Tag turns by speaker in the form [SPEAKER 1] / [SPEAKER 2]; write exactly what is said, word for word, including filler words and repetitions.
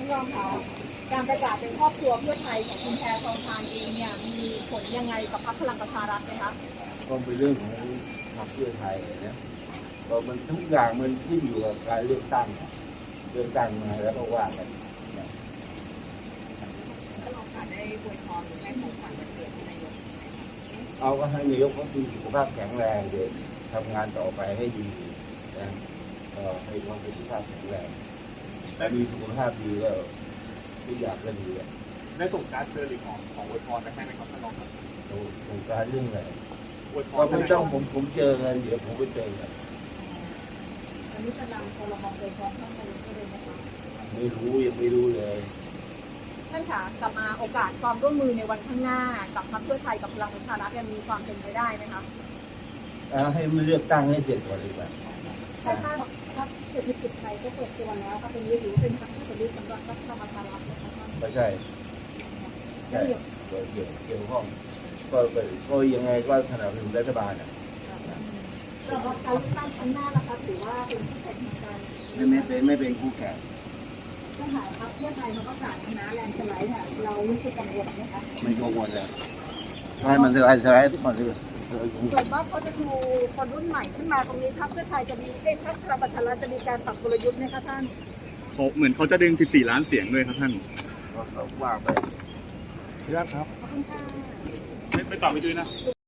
[SPEAKER 1] รองค่ะการประกาศเป็นครอบครัวเพื่อไทยของคุณแพทองทานเองเนี่ยมีผลยังไงกับพรรคพลังประชารัฐไหมคะ
[SPEAKER 2] ก็เป็นเรื่องของพรรคเพื่อไทยนะก็มันทุกอย่างมันขึ้นอยู่กับการเลือกตั้งเลือกตั้งมาแล้วก็ว่ากัน
[SPEAKER 1] ก็ลองค่ะได้อวยพรหรือให้ของขวัญวันเกิดนายก
[SPEAKER 2] เอาก็ให้นายกเขามีสุขภาพแข็งแรงเดี๋ยวทำงานต่อไปให้ดีนะก็ให้ความสุขภาพแข็งแรงแต่มีสุขภาพดีก็ทุกอย่างก็ดี
[SPEAKER 3] ได้ส่งการเชิญหรือของของอวยพรไปให้ไหมครับท่านรองครับ
[SPEAKER 2] ส่งการเรื่องอะไร
[SPEAKER 3] อวยพร
[SPEAKER 2] ก็ไม่ต้องผมผมเจอกันเดี๋ยวผมไปเจอกัน
[SPEAKER 1] อันนี้จะนำพลมโดยพร้อมทั้งนายกเลยนะคะ
[SPEAKER 2] ไม่รู้ยังไม่รู้เลย
[SPEAKER 1] ท่านคะกลับมาโอกาสความร่วมมือในวันข้างหน้ากับพรรคเพื่อไทยกับพลังประชารัฐมีความเป็นไปได้ไหมคะ
[SPEAKER 2] ให้มันเลือกตั้งให้เสร็จก่อนดีกว่า
[SPEAKER 1] ถ้าถ้าพรรคเศรษฐกิจไทยก็เปิดตัวแล้วก็เป็นยืดเป็นพรรคที่จะยึดสำหรับพรรคพลังประชารัฐ
[SPEAKER 2] ไม่ใช่ใช่เกี่ยวเกี่ยวข้องก็ก็ยังไงก็สนับสนุนรัฐบาลอ่ะ
[SPEAKER 1] สำหรับการเลือกตั้งครั้งหน้านะคะถือว่าเป็นคู่แข่งทางการ
[SPEAKER 2] ไม่ไม่เป็นไม่เป็นคู่แข่ง
[SPEAKER 1] ถ้าหากพรรคเพื่อไทยเขาประกาศชนะแลนด์สไลด์ค่ะเรารู้สึกกังวลไหมคะ
[SPEAKER 2] ไม่กังวลเลยให้มันสไลด์สไลด์ทุกคนเลย
[SPEAKER 1] เกิดว่าเขาจะดูคนรุ่นใหม่ขึ้นมาตรงนี้พรรคเพื่อไทยจะมีเอ๊ะพรรคพลังประชารัฐจะมีการปรับกลยุทธ์ไหมคะท่าน
[SPEAKER 3] เขาเหมือนเขาจะดึงสิบสี่ล้านเสียงด้วยครับท่าน
[SPEAKER 2] ก็ว่างไป
[SPEAKER 3] ครับ
[SPEAKER 1] ขอบคุณค่ะ
[SPEAKER 3] ไม่ไม่ตอบไม่ด้วยนะ